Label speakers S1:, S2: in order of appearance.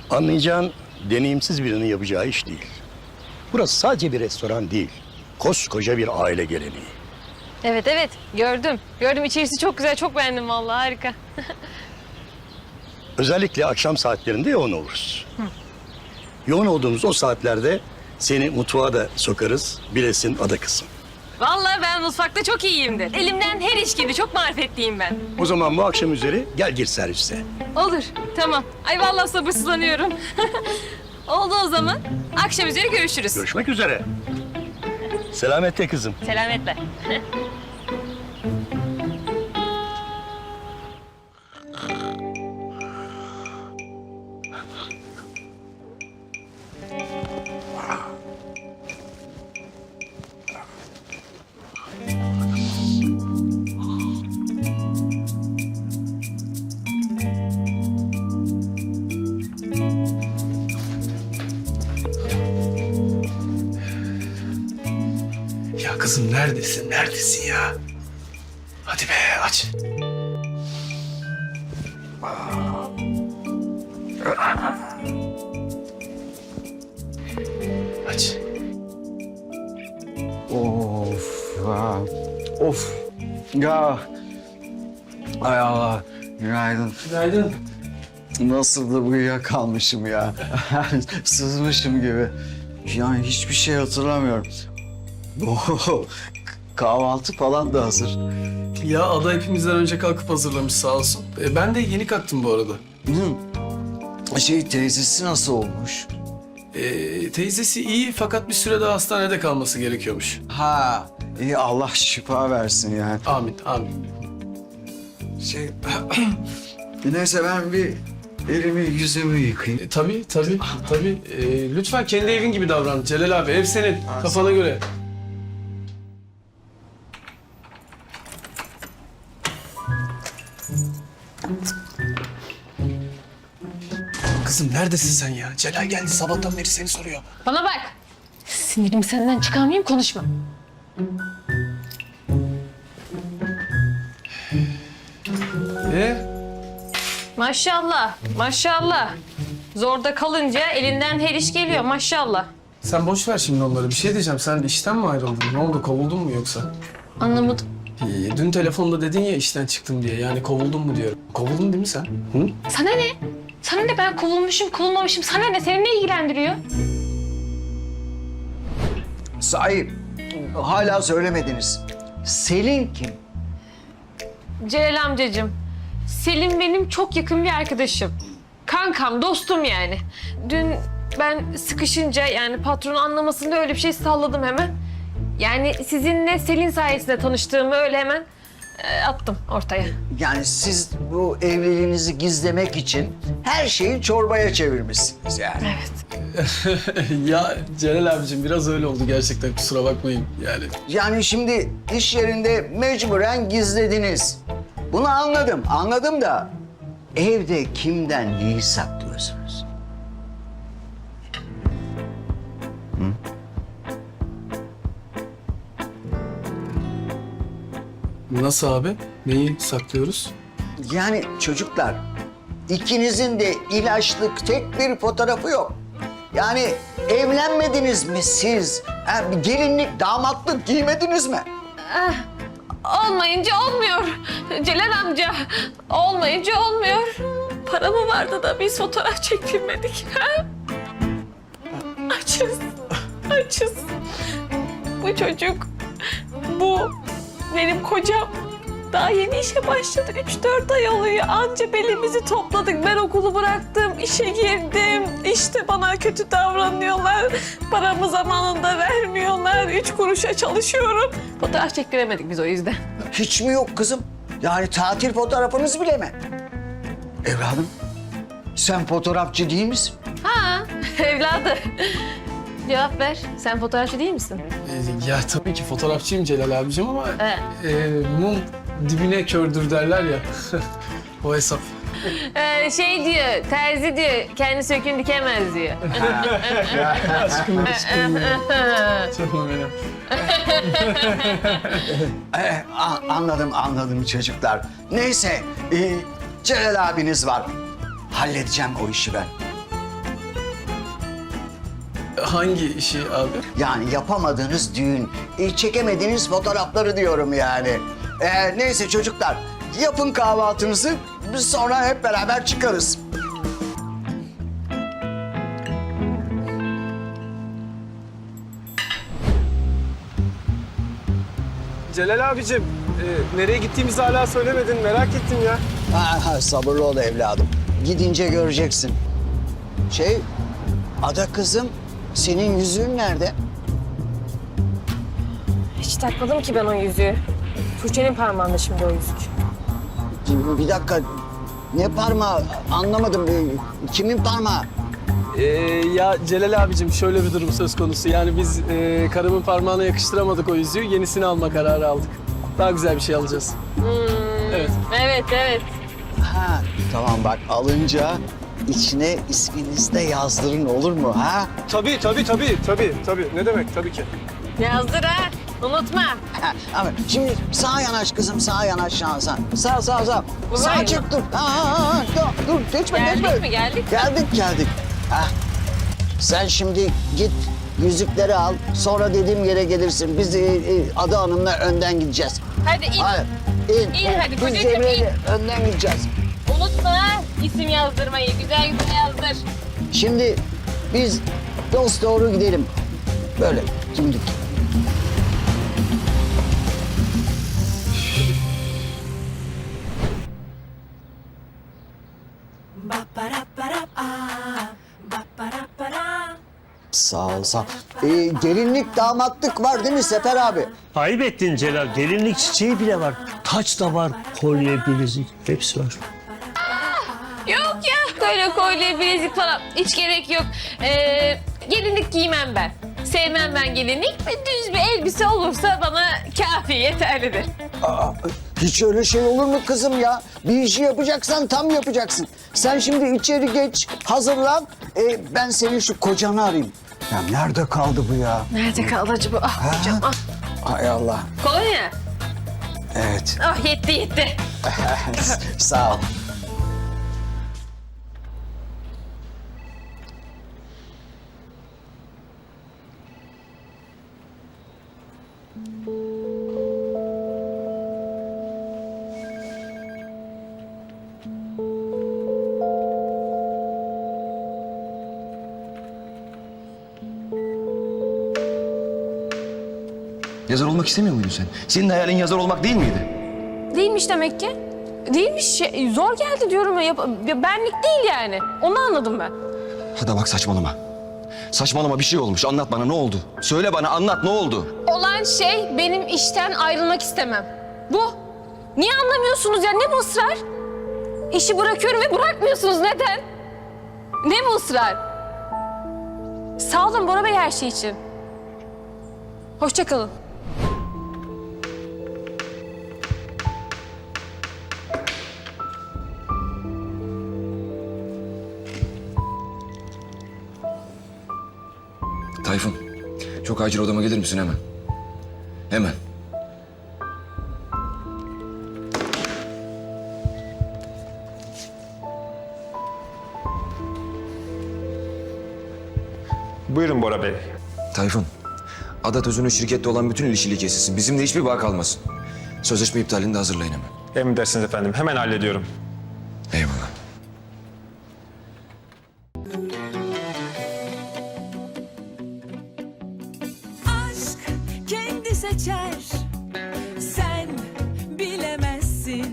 S1: Anlayacağın deneyimsiz birinin yapacağı iş değil. Burası sadece bir restoran değil. Koskoca bir aile geleneği.
S2: Evet evet gördüm. Gördüm içerisi çok güzel çok beğendim vallahi harika.
S1: Özellikle akşam saatlerinde yoğun oluruz. Yoğun olduğumuz o saatlerde seni mutfağa da sokarız. Bilesin ada kızım.
S2: Vallahi ben mutfakta çok iyiyimdir. Elimden her iş gibi çok marifetliyim ben.
S1: O zaman bu akşam üzeri gel gir servise.
S2: Olur tamam. Ay vallahi sabırsızlanıyorum. Oldu o zaman. Akşam üzeri görüşürüz.
S1: Görüşmek üzere. Selametle kızım.
S2: Selametle.
S3: Ya kızım neredesin? Neredesin ya? Hadi be aç. Aç.
S4: Of ya. Of. Ya. Ay Allah. Günaydın.
S3: Günaydın.
S4: Nasıl da uyuyakalmışım ya. Sızmışım gibi. Yani hiçbir şey hatırlamıyorum. Oh, kahvaltı falan da hazır.
S3: Ya Ada hepimizden önce kalkıp hazırlamış sağ olsun. Ben de yeni kalktım bu arada.
S4: Teyzesi nasıl olmuş?
S3: Teyzesi iyi fakat bir süre daha hastanede kalması gerekiyormuş.
S4: Ha, iyi Allah şifa versin yani.
S3: Amin, amin.
S4: Neyse ben bir elimi yüzümü yıkayayım.
S3: Tabii. Lütfen kendi evin gibi davran Celal abi. Ev senin, kafana göre. Kızım neredesin sen ya? Celal geldi sabahtan beri seni soruyor.
S2: Bana bak. Sinirimi senden çıkarmayayım konuşma. Maşallah, maşallah. Zorda kalınca elinden her iş geliyor maşallah.
S3: Sen boş ver şimdi onları. Bir şey diyeceğim. Sen işten mi ayrıldın? Ne oldu? Kovuldun mu yoksa?
S2: Anlamadım.
S3: Dün telefonda dedin ya işten çıktım diye. Yani kovuldun mu diyorum. Kovuldun değil mi sen? Hı?
S2: Sana ne? Sana ne ben kovulmuşum, kovulmamışım. Sana ne? Seni ne ilgilendiriyor?
S4: Sahip, hala söylemediniz. Selin kim?
S2: Celal amcacığım, Selim benim çok yakın bir arkadaşım. Kankam, dostum yani. Dün ben sıkışınca yani patronun anlamasında öyle bir şey salladım hemen. Yani sizinle Selin sayesinde tanıştığımı öyle hemen attım ortaya.
S4: Yani siz bu evliliğinizi gizlemek için her şeyi çorbaya çevirmişsiniz yani.
S2: Evet.
S3: Ya Celal abicim biraz öyle oldu gerçekten. Kusura bakmayın yani.
S4: Yani şimdi iş yerinde mecburen gizlediniz. Bunu anladım da evde kimden neyi saklıyorsunuz?
S3: Nasıl abi? Neyi saklıyoruz?
S4: Yani çocuklar, ikinizin de ilaçlık tek bir fotoğrafı yok. Yani evlenmediniz mi siz? Bir gelinlik, damatlık giymediniz mi?
S2: Olmayınca olmuyor. Celal amca, olmayınca olmuyor. Para mı vardı da biz fotoğraf çektirmedik? Ha? Açız. Bu çocuk, bu benim kocam. Daha yeni işe başladı. 3-4 ay oluyor. Anca belimizi topladık. Ben okulu bıraktım, işe girdim. İşte bana kötü davranıyorlar. Paramı zamanında vermiyorlar. 3 kuruşa çalışıyorum. Fotoğraf çektiremedik biz o yüzden.
S4: Hiç mi yok kızım? Yani tatil fotoğrafınız bile mi? Evladım, sen fotoğrafçı değil misin?
S2: Ha, evladı. Cevap ver. Sen fotoğrafçı değil misin?
S3: Ya tabii ki fotoğrafçıyım Celal abicim ama mum dibine kördür derler ya. O hesap.
S2: Şey diyor, terzi diyor, kendi sökün dikemez diyor.
S3: Aşkım ya. Canım benim.
S4: Anladım çocuklar. Neyse, Celal abiniz var. Halledeceğim o işi ben.
S3: Hangi işi abi?
S4: Yani yapamadığınız düğün, çekemediğiniz fotoğrafları diyorum yani. Neyse çocuklar, yapın kahvaltınızı, biz sonra hep beraber çıkarız.
S5: Celal abicim, nereye gittiğimizi hala söylemedin. Merak ettim ya.
S4: Sabırlı ol evladım. Gidince göreceksin. Ada kızım, senin yüzüğün nerede?
S2: Hiç takmadım ki ben o yüzüğü. Tuğçe'nin parmağında şimdi o yüzük.
S4: Bir dakika, ne parmağı? Anlamadım. Kimin parmağı?
S3: Ya Celal abicim şöyle bir durum söz konusu. Yani biz karımın parmağına yakıştıramadık o yüzüğü. Yenisini alma kararı aldık. Daha güzel bir şey alacağız. Evet.
S2: Evet.
S4: Ha, tamam bak alınca içine isminizi de yazdırın olur mu ha?
S5: Tabii. Ne demek tabii ki.
S2: Yazdır ha. Unutma.
S4: Ha, ama şimdi sağa yanaş kızım, sağa yanaş şansa. Sağ. Sağ
S2: Buraya
S4: çık dur. Dur, geçme.
S2: Geldik mi, geldik mi?
S4: Geldik. Ha. Sen şimdi git yüzükleri al, sonra dediğim yere gelirsin. Biz Ada Hanım'la önden gideceğiz.
S2: Hadi in.
S4: Hayır,
S2: İn hadi,
S4: Biz
S2: kocacığım,
S4: Cemre'yle önden gideceğiz.
S2: Unutma ha. İsim yazdırmayı. Güzel yazdır.
S4: Şimdi biz dost doğru gidelim. Böyle dimdik. Sağ ol, sağ ol. Gelinlik, damatlık var değil mi Sefer abi?
S6: Ayıp ettin Celal. Gelinlik çiçeği bile var. Taç da var. Kolye, bilezik hepsi var.
S2: Yok ya. Öyle kolye, bilezik falan. Hiç gerek yok. Gelinlik giymem ben. Sevmem ben gelinlik. Düz bir elbise olursa bana kafi, yeterlidir.
S4: Hiç öyle şey olur mu kızım ya? Bir işi yapacaksan tam yapacaksın. Sen şimdi içeri geç, hazırlan. Ben senin şu kocanı arayayım. Ya nerede kaldı bu ya?
S2: Nerede kaldı acaba? Ah hocam ah.
S4: Hay Allah.
S2: Kolonya.
S4: Evet.
S2: Ah yetti.
S4: Sağ ol.
S7: Yazar olmak istemiyor muydun sen? Senin hayalin yazar olmak değil miydi?
S2: Değilmiş demek ki. Değilmiş. Zor geldi diyorum ya. Benlik değil yani. Onu anladım ben.
S7: Hadi bak saçmalama. Saçmalama bir şey olmuş. Anlat bana ne oldu? Söyle bana anlat ne oldu?
S2: Olan şey benim işten ayrılmak istemem. Bu. Niye anlamıyorsunuz ya? Ne bu ısrar? İşi bırakıyorum ve bırakmıyorsunuz. Neden? Ne bu ısrar? Sağ olun Bora Bey her şey için. Hoşça kalın.
S7: Tayfun, çok acil odama gelir misin hemen? Hemen.
S5: Buyurun Bora Bey.
S7: Tayfun, Ada Tözün'ün şirkette olan bütün ilişkili kesilsin. Bizimle hiçbir bağ kalmasın. Sözleşme iptalini de hazırlayın hemen.
S5: Emredersiniz efendim. Hemen hallediyorum.
S7: Eyvallah.
S8: Aşk kendi seçer